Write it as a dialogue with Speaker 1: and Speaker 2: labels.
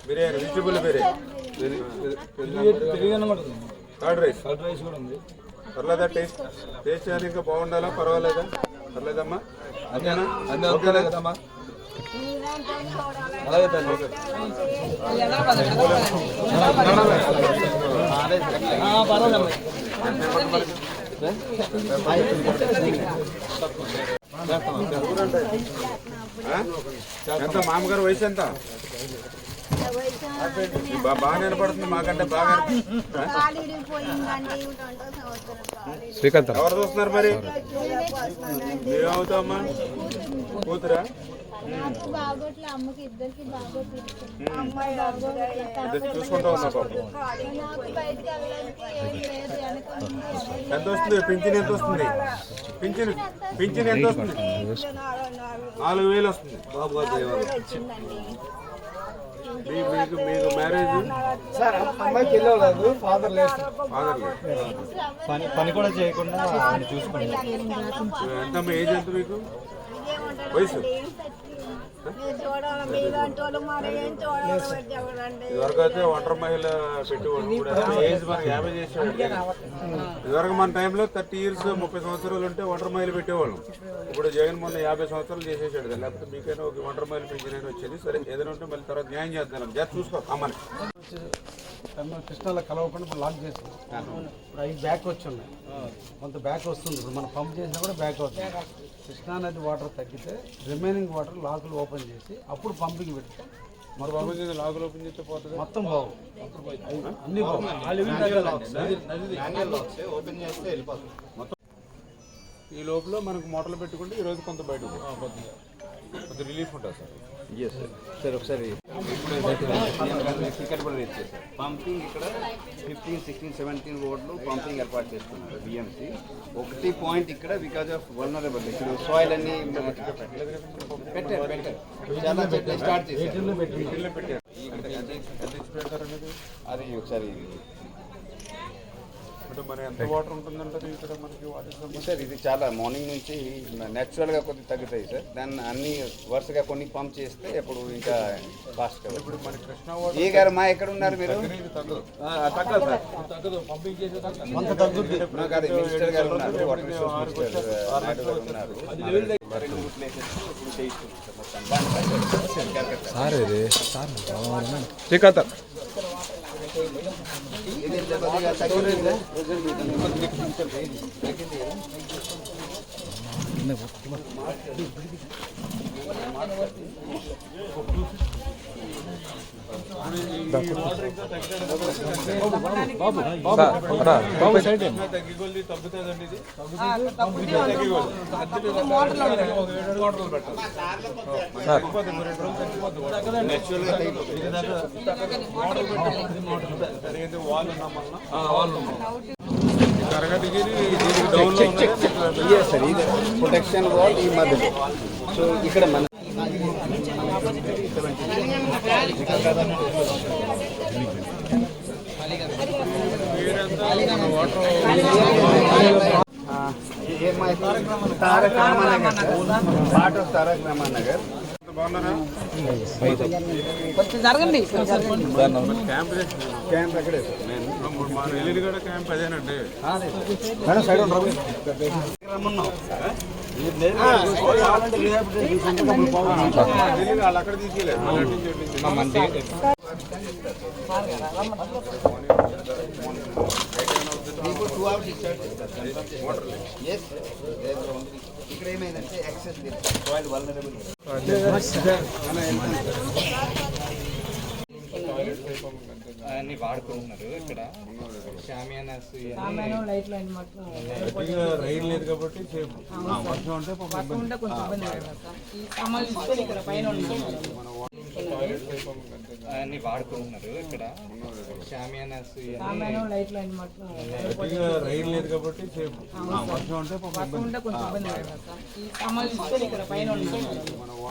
Speaker 1: Biryani vegetable biryani curd rice కూడా ఉంది. పర్లేదా? టేస్ట్ టేస్ట్ అని ఇంకా బాగుండాలా? పర్వాలేదా? పర్లేదమ్మా? అంతేనా? ఓకేనా కదమ్మా? అలాగే తల్లి. ఎంత మామగారు వయసు ఎంత? బాగా నిలబడుతుంది మాకంటే బాగా. శ్రీకాంత్ ఎవరు చూస్తున్నారు మరి? ఏమవుతామా? కూతురా? చూసుకుంటా ఉన్నా పాప. ఎంత వస్తుంది పింఛన్? ఎంత వస్తుంది పింఛన్? పింఛన్ ఎంత వస్తుంది? 4,000 వస్తుంది. బాబు మీకు మ్యారేజ్
Speaker 2: అమ్మాయికి వెళ్ళలేదు, ఫాదర్ లేదు. పని కూడా చేయకుండా చూసుకుంటాం.
Speaker 1: ఎంతమ్మా ఏజ్ ఎంత మీకు? వయసు ఇదివరకు అయితే ఒంటరి మహిళ పెట్టేవాళ్ళు కూడా. ఏజ్ మనకి 50 చేసేవాళ్ళు. ఇదివరకు మన టైంలో 30 years 30 సంవత్సరాలు ఉంటే ఒంటరి మహిళ పెట్టేవాళ్ళం. ఇప్పుడు జగన్ మొన్న 50 సంవత్సరాలు చేసేసాడు కదా. లేకపోతే మీకైనా ఒక ఒంటరి మహిళ పెంచిన వచ్చేది. సరే ఏదైనా ఉంటే మళ్ళీ తర్వాత న్యాయం చేద్దాం. జాగ్రత్త చూసుకో అమ్మని.
Speaker 2: కృష్ణాలో కలవకుండా ఇప్పుడు లాక్ చేస్తాం. ఇప్పుడు 5 బ్యాక్ వచ్చి ఉన్నాయి, కొంత బ్యాక్ వస్తుంది. ఇప్పుడు మనం పంప్ చేసినా కూడా బ్యాక్ అవుతుంది. కృష్ణా నది వాటర్ తగ్గితే రిమైనింగ్ వాటర్ లాకులు ఓపెన్ చేసి అప్పుడు పంపింగ్ పెడితే
Speaker 1: మరి పంపింగ్ లాకులు ఓపెన్ చేస్తే పోతుంది.
Speaker 2: మొత్తం బాగు అన్ని
Speaker 1: మొత్తం ఈ లోపల మనకు మోటార్లు పెట్టుకుంటే ఈరోజు కొంత బయట కొంత రిలీఫ్ ఉంటుంది సార్.
Speaker 3: సార్ ఒకసారి ఇక్కడ కూడా ఇచ్చేది సార్. పంపింగ్ ఇక్కడ 15, 16, 17 రోడ్లు పంపింగ్ ఏర్పాటు చేసుకున్నారు బిఎంసి. 1 పాయింట్ ఇక్కడ బికాజ్ ఆఫ్ వల్నరబుల్ ఇక్కడ సాయిల్ అన్ని పెట్టారు. చాలా చెట్లు స్టార్ట్ చేశారు. అది ఒకసారి
Speaker 1: మరి ఎంత వాటర్ ఉంటుందంటే ఇక్కడ మనకి వాటర్
Speaker 3: సార్ ఇది చాలా మార్నింగ్ నుంచి న్యాచురల్గా కొద్దిగా తగ్గుతాయి సార్. దాన్ని అన్ని వరుసగా కొన్ని పంప్ చేస్తే ఇప్పుడు ఇంకా ఫాస్ట్ కదా.
Speaker 1: ఇప్పుడు మన కృష్ణా
Speaker 3: ఏ గారు మా ఎక్కడ ఉన్నారు మీరు?
Speaker 1: తగ్గదు పంపింగ్ చేసే
Speaker 3: మినిస్టర్ గారు ఉన్నారు, వాటర్ రిసోర్స్ మినిస్టర్ నాయుడు గారు ఉన్నారు.
Speaker 1: శ్రీకాంత్ తగ్గికొల్లి తగ్గుతుందండి. ఇది వాళ్ళు కరగటికి
Speaker 3: ప్రొటెక్షన్ వాల్ ఈ మధ్య. సో ఇక్కడ మన తారక రామానగర్, పార్ట్ ఆఫ్ తారక రామానగర్.
Speaker 1: బాగున్నారా?
Speaker 4: జరగండి.
Speaker 3: క్యాంప్ ఎక్కడే
Speaker 1: మన ఎల్లుడి కూడా క్యాంప్ అదేనండి. వాళ్ళు అక్కడ తీసుకెళ్ళారు.
Speaker 3: మీకు 2 hours ఇచ్చాడు ఇక్కడ ఏమైందంటే యాక్సెస్ సాయిల్ వల్నరబుల్. అన్ని వాడుకుంటున్నారు ఇక్కడ. షామియానాస్
Speaker 1: రైలు లేదు కాబట్టి వర్షం ఉంటే
Speaker 3: అన్ని వాడుకుంటున్నారు ఇక్కడ. షామియానాస్
Speaker 1: రైలు లేదు కాబట్టి వర్షం ఉంటే